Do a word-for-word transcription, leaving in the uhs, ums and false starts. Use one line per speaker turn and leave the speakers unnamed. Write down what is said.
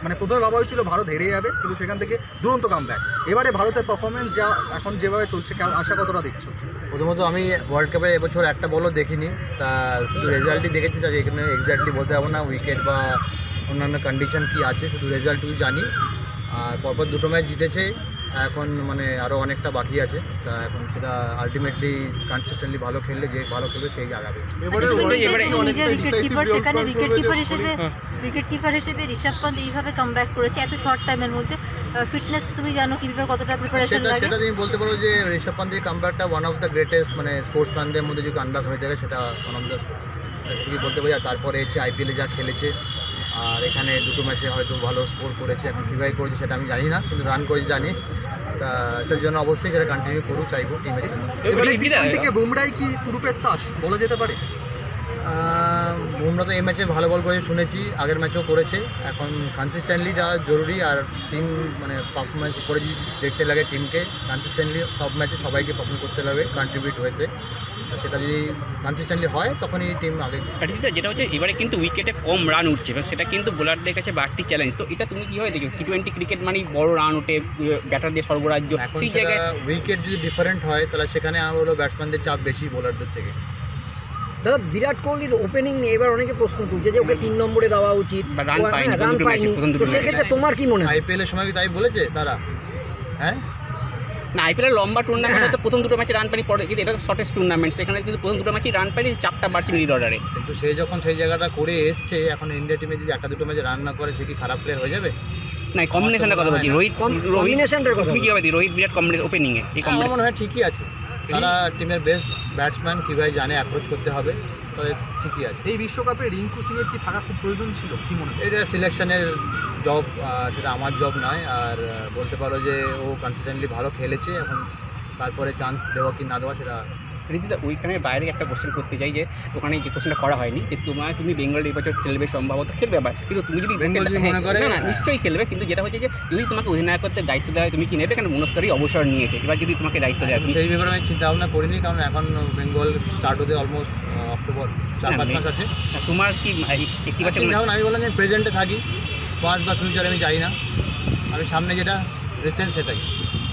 মানে প্রথমে ভাবা হয়েছিল ভারত হেরে যাবে, কিন্তু সেখান থেকে দুরন্ত কামব্যাক। এবারে ভারতের পারফরমেন্স যা এখন যেভাবে চলছে, আশা কতটা দেখছো?
প্রথমত আমি ওয়ার্ল্ড কাপে এবছর একটা বলও দেখিনি, তা শুধু রেজাল্টই দেখতে চাই। এখানে এক্স্যাক্টলি বলতে পারবো না উইকেট বা অন্যান্য কন্ডিশন কি আছে, শুধু রেজাল্টটুকু জানি। আর পরপর দুটো ম্যাচ জিতেছে, এখন মানে আরও অনেকটা বাকি আছে। তা এখন সেটা আলটিমেটলি কনসিস্টেন্টলি ভালো খেললে যে ভালো খেলবে সেই জাগাবে।
নিজের উইকেট কিপার, সেখানে উইকেট কিপার হিসেবে উইকেট কিপার হিসেবে ঋষভ পন্থ এইভাবে কামব্যাক করেছে এত শর্ট টাইমের মধ্যে। ফিটনেস তুমি জানো কীভাবে কতটা প্রিপারেশন
সেটা
লাগে?
সেটা তুমি বলতে পারো যে ঋষভ পন্থের কামব্যাকটা ওয়ান অফ দ্য গ্রেটেস্ট, মানে স্পোর্টসম্যানদের মধ্যে যদি কামব্যাক হয়ে থাকে সেটা ওয়ান অফ দ্য তুমি বলতে পারি। আর তারপরে এসে আইপিএলে যা খেলেছে, আর এখানে দুটো ম্যাচে হয়তো ভালো স্কোর করেছে। এখন কীভাবে করেছে সেটা আমি জানি না, কিন্তু রান করেছে জানি। তা সেই জন্য অবশ্যই সেটা কন্টিনিউ করুক চাইবো টিমের জন্য।
এবারে বুমরাই কি তুরুপের তাস বলা যেতে পারে?
বুমরা তো এই ম্যাচে ভালো বল করেছে শুনেছি, আগের ম্যাচও করেছে। এখন কনসিস্টেন্টলি যা জরুরি, আর টিম মানে পারফরমেন্স করে যদি দেখতে লাগে টিমকে কনসিস্টেন্টলি সব ম্যাচে সবাইকে পারফর্ম করতে লাগবে, কন্ট্রিবিউট হয়েছে। সেটা যদি কনসিস্টেন্টলি হয় তখনই টিম আগে।
যেটা হচ্ছে এবারে কিন্তু উইকেটে কম রান উঠছে এবং সেটা কিন্তু বোলারদের কাছে বাড়তি চ্যালেঞ্জ। তো এটা তুমি কীভাবে দেখো? টি টোয়েন্টি ক্রিকেট মানেই বড় রান ওঠে, ব্যাটারদের সর্বরাজ্য। সেই জায়গায়
উইকেট যদি ডিফারেন্ট হয় তাহলে সেখানে আমার হলো ব্যাটসম্যানদের চাপ বেশি বোলারদের থেকে।
দাদা, বিরাট কোহলির ওপেনিং নিয়ে এবার অনেকে প্রশ্ন তুলছে যে ওকে তিন নম্বরে দেওয়া উচিত, রান পায়নি। তো সেক্ষেত্রে তোমার কি মনে হয়?
আইপিএলের সময় কি তাই বলেছে তারা? হ্যাঁ
না, আইপিএলের লম্বা টুর্নামেন্ট তো প্রথম দুটো ম্যাচে রান পানি পড়ে, কিন্তু এটা তো শর্টেস্ট টুর্নামেন্ট, সেখানে কিন্তু প্রথম দুটো ম্যাচে রান পানি চাপটা বাড়ছে মিড অর্ডারে।
কিন্তু সে যখন সেই জায়গাটা করে এসছে, এখন ইন্ডিয়া টিমে যদি একটা দুটো ম্যাচে রান না করে সে কি খারাপ প্লেয়ার হয়ে যাবে?
না, কম্বিনেশনের কথা বলছি। রোহিত
কম্বিনেশনের কথা
তুমি কীভাবে দিই? রোহিত বিরাট কম্বিনেশন ওপেনিংয়ে এই
আমার মনে হয় ঠিকই আছে। তারা টিমের বেস্ট ব্যাটসম্যান, কীভাবে জানে অ্যাপ্রোচ করতে হবে, তাদের ঠিকই আছে।
এই বিশ্বকাপে রিঙ্কু সিংয়ের কি থাকা খুব প্রয়োজন ছিল, কি মনে হয়?
এটা সিলেকশনের জব, সেটা আমার জব নয়। আর বলতে পারো যে ও কনসিস্টেন্টলি ভালো খেলেছে, এখন তারপরে চান্স দেওয়া কি না দেওয়া সেটা।
রীতিদা, ওইখানের বাইরে একটা কোশ্চেন করতে চাই, যে ওখানে যে কোশ্চেনটা করা হয়নি যে তোমার তুমি বেঙ্গল এই বছর খেলবে, সম্ভবত খেলবে আবার, কিন্তু তুমি যদি
মনে করে
না না নিশ্চয়ই খেলবে, কিন্তু যেটা হচ্ছে যে যদি তোমাকে অধিনায়কত্বের দায়িত্ব দেওয়া হয় তুমি কি নেবে? কারণ মনস্তরই অবসর নিয়েছে, এবার যদি তোমাকে দায়িত্ব দেয়
সেই ব্যাপারে আমি চিন্তা ভাবনা করিনি, কারণ এখন বেঙ্গল স্টার্ট হতে অলমোস্ট অক্টোবর চার পাঁচ মাস আছে।
তোমার কি ইতিবাচক?
এখন আমি বললাম যে প্রেজেন্টে থাকি, পাস্ট বা ফিউচারে আমি যাই না, আমি সামনে যেটা রিসেন্ট সেটাই।